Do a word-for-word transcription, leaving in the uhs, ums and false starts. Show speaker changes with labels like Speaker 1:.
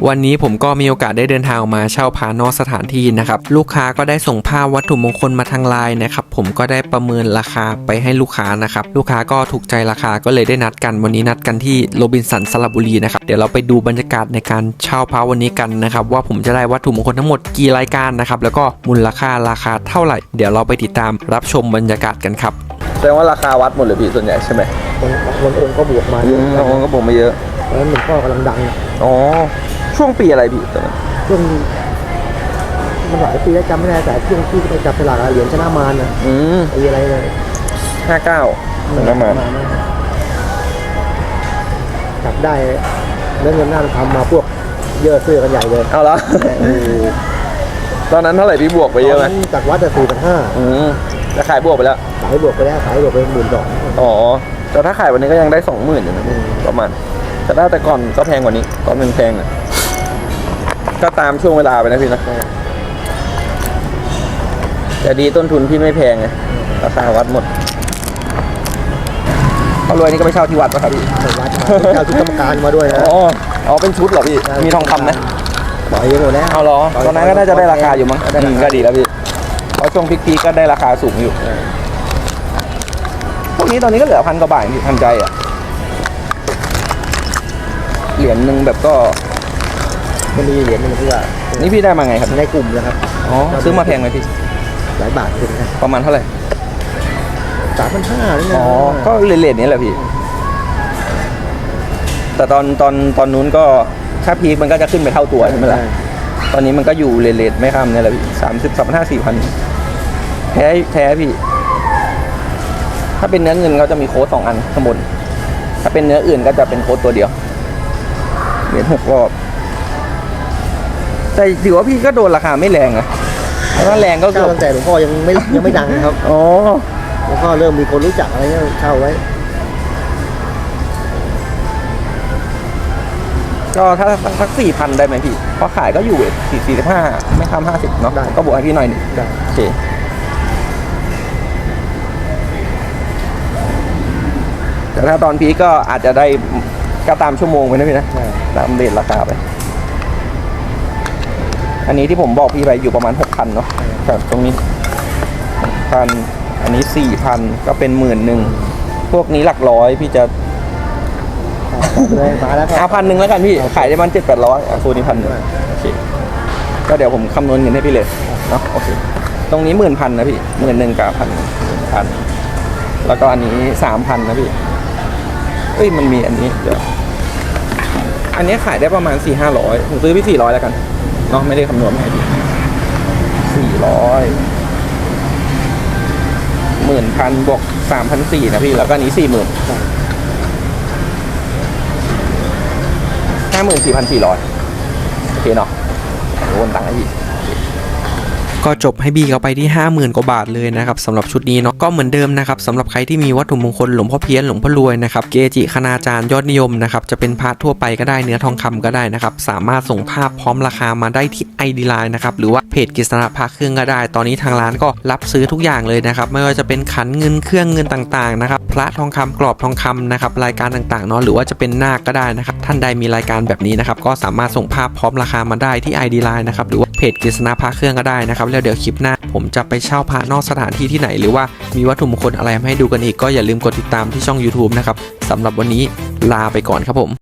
Speaker 1: วันนี้ผมก็มีโอกาสได้เดินทางออกมาเช่าพระนอกสถานที่นะครับลูกค้าก็ได้ส่งภาพวัตถุมงคลมาทางไลน์นะครับผมก็ได้ประเมินราคาไปให้ลูกค้านะครับลูกค้าก็ถูกใจราคาก็เลยได้นัดกันวันนี้นัดกันที่โรบินสันสระบุรีนะครับเดี๋ยวเราไปดูบรรยากาศในการเช่าพระวันนี้กันนะครับว่าผมจะได้วัตถุมงคลทั้งหมดกี่รายการนะครับแล้วก็มูลค่าราคาเท่าไหร่เดี๋ยวเราไปติดตามรับชมบรรยากาศกันครับ
Speaker 2: แสดงว่าราคาวัดหมดเลยพี่ส่วนใหญ่ใช่ไหม
Speaker 3: บางองค์ก็บวกมาเยอะ
Speaker 2: บางองค์ก็บวกมาเยอะ
Speaker 3: แล้วหลวงพ่อกำลังดัง
Speaker 2: อ๋อช่วงปีอะไรพี่ตอนนั้น
Speaker 3: ช่วงมันหลายปีแล้วจำไม่ได้แต่ช่วงที่ไปจับสลากเหรียญชนะมารนะ
Speaker 2: อืม
Speaker 3: ปีอะไรเลย
Speaker 2: ห้าเก้าชนะมาร
Speaker 3: จับได้เรื่องเงินหน้าทำมาพวกเยอะซื้อกันใหญ่เลย
Speaker 2: เอาละตอนนั้นเท่าไหร่พี่บวกไปเยอะไหม
Speaker 3: จากวัดจะสี่พันห้า
Speaker 2: อืมจะขายบวกไปแล้ว
Speaker 3: ขายบวกไปแล้วขายบวกไปหมื่นสอง
Speaker 2: อ๋อแต่ถ้าขายวันนี้ก็ยังได้สองหมื่นอยู่นะประมาณแต่ถ้าแต่ก่อนก็แพงกว่านี้ตอนมันแพงอ่ะก็ตามช่วงเวลาไปนะพี่นะแต่ดีต้นทุนพี่ไม่แพงไงราคาวัดหมดเขารวยนี่ก็ไปเช่าที่วัดป่ะครับพี่
Speaker 3: วัดเช่าชุดกรรมการมาด้วยนะ
Speaker 2: อ๋ออ๋อเป็นชุดเหรอพี่มีทองคำไหม
Speaker 3: ปล่อยหมดแล้ว
Speaker 2: เอาเหรอตอนนั้นก็น่าจะได้ราคาอยู่มั้งก็ดีแล้วพี่เพราะช่วงพีคๆก็ได้ราคาสูงอยู่พวกนี้ตอนนี้ก็เหลือพันกว่าบาทพี่ทันใจอ่ะเหรียญหนึ่งแบบก็
Speaker 3: มันมีเหรียญนึงที่ว่า
Speaker 2: นี่พี่ได้มาไงครับ
Speaker 3: ในกลุ่มนะครับ
Speaker 2: อ๋อซื้อมาแพงไหมพี่
Speaker 3: หลายบาทถึงนะ
Speaker 2: ประมาณเท่าไหร่
Speaker 3: สามพันห้านี่
Speaker 2: นะอ๋อก็เลทๆนี้แหละพี่แต่ตอนตอนตอนนู้นก็ถ้าพีคมันก็จะขึ้นไปเท่าตัวใช่ไหมล่ะตอนนี้มันก็อยู่เลทๆไม่ข้ามนี่แหละพี่สามสิบสามพันห้าสี่พันแท้แท้พี่ถ้าเป็นเนื้อเงินเขาจะมีโค้ดสองอันข้างบนถ้าเป็นเนื้ออื่นก็จะเป็นโค้ดตัวเดียวเหรียญหกรอบแต่ถือว่าพี่ก็โดนราคาไม่แรงอะถ้าแรงก็
Speaker 3: ตั้งแต่หลวงพ่อยังไม่ยังไม่ดังนะครับ
Speaker 2: อ๋อ
Speaker 3: หลวงพ่อเริ่มมีคนรู้จักอะไรเงี้ยเช่าไว้
Speaker 2: ก็ถ้าสักสี่พันได้ไหมพี่เพราะขายก็อยู่สี่สี่สิบห้าไม่ข้ามห้าสิบเนาะก็บวกให้พี่หน่อยหนึ่งโอเคแต่ถ้าตอนพีก็อาจจะได้ก็ตามชั่วโมงไปนะพี่นะตามเดทราคาไปอันนี้ที่ผมบอกพี่ไปอยู่ประมาณหกพันเนาะครับตรงนี้พันอันนี้สี่พันก็เป็นหมื่นหนึ่งพวกนี้หลักร้อยพี่จะ
Speaker 3: มาแล้ว
Speaker 2: เอาพันหนึ่งแล้วกันพี่ขายได้มันเจ็ดแปดร้อยอ่ะโซนี่พันหนึ่งโอเคก็เดี๋ยวผมคำนวณเงินให้พี่เลยเนาะโอเคตรงนี้หมื่นพันนะพี่หมื่นหนึ่งกับพันพันแล้วก็อันนี้สามพันนะพี่เอ้ยมันมีอันนี้เดี๋ยวอันนี้ขายได้ประมาณสี่ห้าร้อยผมซื้อพี่สี่ร้อยแล้วกันเนาะไม่ได้คำนวณให้พี่สี่ร้อยหมื่นพันบวกสามพันสี่นะพี่แล้วก็อันนี้สี่หมื่นห้าหมื่นสี่พันสี่ร้อยโอเคเนาะโอนตังค์ให้พี่
Speaker 1: ก็จบให้บี้เขาไปที่ ห้าหมื่น กว่าบาทเลยนะครับสำหรับชุดนี้เนาะก็เหมือนเดิมนะครับสำหรับใครที่มีวัตถุมงคลหลวงพ่อเพี้ยนหลวงพ่อรวยนะครับเกจิคณาจารย์ยอดนิยมนะครับจะเป็นพระทั่วไปก็ได้เนื้อทองคำก็ได้นะครับสามารถส่งภาพพร้อมราคามาได้ที่ ไอ ดี ไลน์ นะครับหรือว่าเพจกฤษณะพระเครื่องก็ได้ตอนนี้ทางร้านก็รับซื้อทุกอย่างเลยนะครับไม่ว่าจะเป็นขันเงินเครื่องเงินต่างๆนะครับพระทองคำกรอบทองคำนะครับรายการต่างๆเนาะหรือว่าจะเป็นนาคก็ได้นะครับท่านใดมีรายการแบบนี้นะครับก็สามารถส่งภาพพร้อมราคามาได้ที่ ไอ ดี ไลน์ นะครับหรือว่าเพจกฤษณะพระเครื่องก็ได้นะครับแล้วเดี๋ยวคลิปหน้าผมจะไปเช่าพระนอกสถานที่ที่ไหนหรือว่ามีวัตถุมงคลอะไรมาให้ดูกันอีกก็อย่าลืมกดติดตามที่ช่อง ยูทูบ นะครับสำหรับวันนี้ลาไปก่อนครับผม